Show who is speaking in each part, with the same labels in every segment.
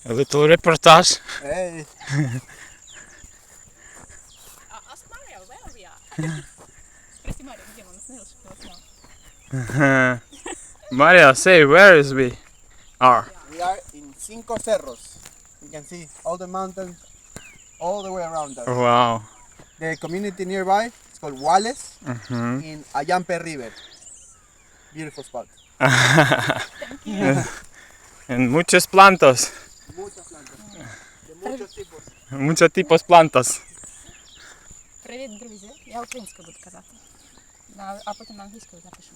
Speaker 1: A little reportage.
Speaker 2: Hey.
Speaker 3: Ask Mario where we are. Спроси Марио, где он остановился, чтобы он знал.
Speaker 1: Maria, say where is we are.
Speaker 2: We are in Cinco Cerros. You can see all the mountains all the way around us.
Speaker 1: Wow.
Speaker 2: The community nearby is called Wales in Ayampe River. Beautiful spot.
Speaker 1: And muchos plantas.
Speaker 2: Muchas plantas. De muchos tipos.
Speaker 1: Muchos tipos plantas.
Speaker 3: Привіт, друзі. Я українською буду казати. А потім на англійською запишемо.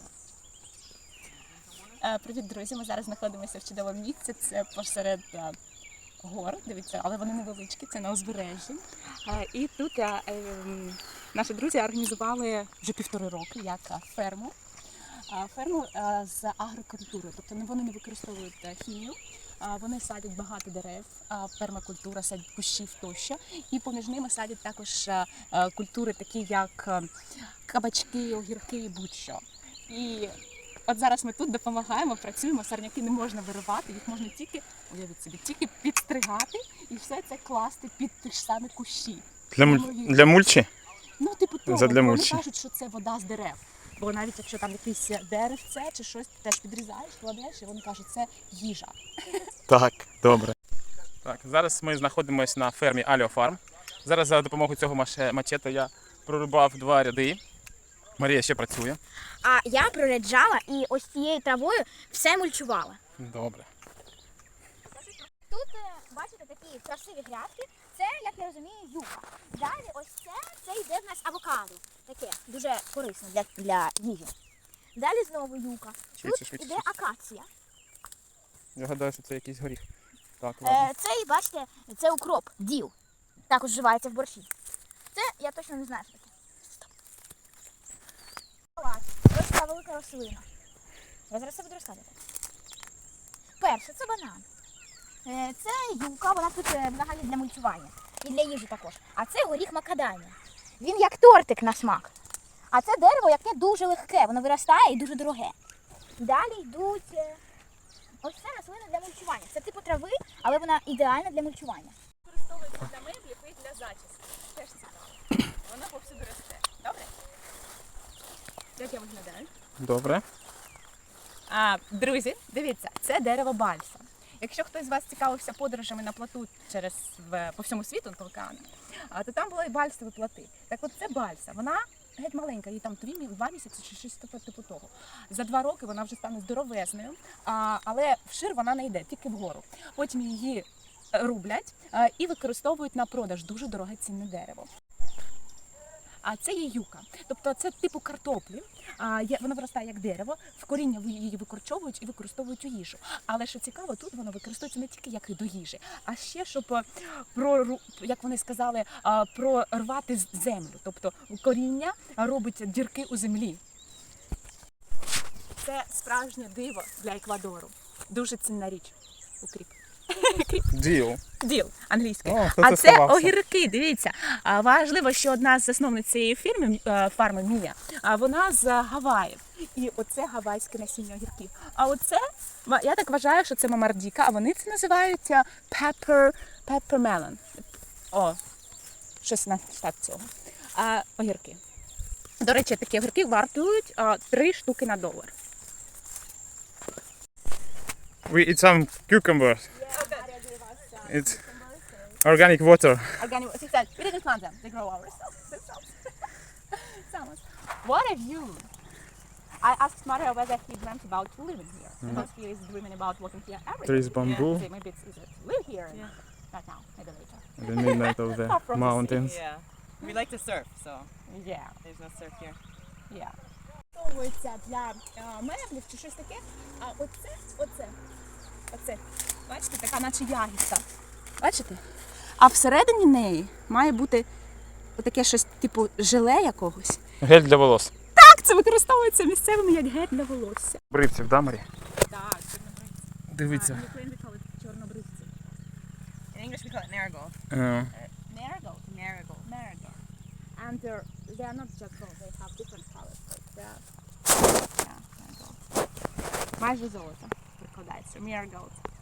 Speaker 3: Привіт, друзі. Ми зараз знаходимося в чудовому місці. Це посеред гор, дивіться, але вони невеличкі, це на узбережжі. І тут наші друзі організували вже 1,5 роки як ферму. Ферму з агрокультурою, тобто вони не використовують хімію, вони садять багато дерев, пермакультура, садять кущів тощо, і поміж ними садять також культури такі як кабачки, огірки, будь-що. І от зараз ми тут допомагаємо, працюємо, сорняки не можна виривати, їх можна тільки, уявіть собі, тільки підстригати і все це класти під ті ж самі кущі.
Speaker 1: Для мульчі?
Speaker 3: Ну, типу того,
Speaker 1: Задля
Speaker 3: вони
Speaker 1: мульчі.
Speaker 3: кажуть, що це вода з дерев. Бо навіть якщо там якесь деревце чи щось, ти теж підрізаєш, кладеш, і вони кажуть, це їжа.
Speaker 1: Так, добре. Так, зараз ми знаходимося на фермі Alio Farm. Зараз за допомогою цього мачете я прорубав 2 ряди. Марія ще працює.
Speaker 4: А я проряджала і ось цією травою все мульчувала.
Speaker 1: Добре.
Speaker 4: Тут, бачите, такі красиві грядки. Це, як я розумію, юка. Далі ось це йде в нас авокадо. Таке, дуже корисне для їжі. Далі знову юка.
Speaker 1: Швидше,
Speaker 4: Тут
Speaker 1: швидше,
Speaker 4: йде
Speaker 1: швидше.
Speaker 4: акація.
Speaker 1: Я гадаю, що це якийсь горіх. Так, ладно.
Speaker 4: Це, бачите, це укроп, діл. Також вживається в борщі. Це я точно не знаю, що таке. Ось така велика рослина. Я зараз це буду розказувати. Перше, це банан. Це юка, вона тут взагалі для мульчування. І для їжі також. А це горіх макадамія. Він як тортик на смак. А це дерево, яке дуже легке, воно виростає і дуже дороге. Далі йдуть ось це рослина для мульчування. Це типу трави, але вона ідеальна для мульчування.
Speaker 3: Використовується для меблів і для зачіски. Теж цікаво. Воно повсюди росте. Добре? Як я виглядаю?
Speaker 1: Добре.
Speaker 3: Друзі, дивіться, це дерево бальса. Якщо хтось з вас цікавився подорожами на плоту по всьому світу, на океану, то там були бальсові плоти. Так от це бальса, вона геть маленька, їй там 2 місяці чи щось типу того. За 2 роки вона вже стане здоровезною, але вшир вона не йде, тільки вгору. Потім її рублять і використовують на продаж, дуже дороге цінне дерево. А це є юка, тобто це типу картоплі, вона виростає як дерево, в коріння її викорчовують і використовують у їжу. Але що цікаво, тут воно використовується не тільки як до їжі, а ще, щоб, як вони сказали, прорвати землю. Тобто коріння робить дірки у землі. Це справжнє диво для Еквадору. Дуже цінна річ. Укріп. Діл англійською. А це
Speaker 1: сховався.
Speaker 3: огірки, дивіться. Важливо, що одна з засновниць цієї фарми Мія, вона з Гаваїв. І оце гавайське насіння огірків. А оце, я так вважаю, що це мамардіка, а вони це називають peppermelon. Щось на штат цього. Огірки. До речі, такі огірки вартують 3 штуки на $1.
Speaker 1: We eat some cucumbers. It's organic water.
Speaker 3: We didn't plant them. They grow ourselves. What a view! I asked Mario whether he dreamt about living here. Because he is dreaming about working here every day.
Speaker 1: There is bamboo.
Speaker 3: So maybe it's easier to live here. Not now, maybe later.
Speaker 1: In the midnight of the
Speaker 3: Far from the sea.
Speaker 1: mountains.
Speaker 5: Yeah. We like to surf, so
Speaker 3: Yeah,
Speaker 5: there's no surf here.
Speaker 3: yeah. Використовується для меблів чи щось таке. А оце. Бачите, така наче ягідка. Бачите? А всередині неї має бути отаке щось типу желе якогось.
Speaker 1: Гель для волос.
Speaker 3: Так, це використовується місцевими як гель для волосся.
Speaker 1: Бритвів, да, Марі?
Speaker 3: Так, чорнобривці.
Speaker 1: Дивіться.
Speaker 3: In Ukraine we call it чорнобривці.
Speaker 5: In English we call it marigold.
Speaker 3: Marigold.
Speaker 5: Marigold.
Speaker 3: Marigold. And they are not just gold, they have different colors. Like marigold. Майже золото прикладається. Marigold.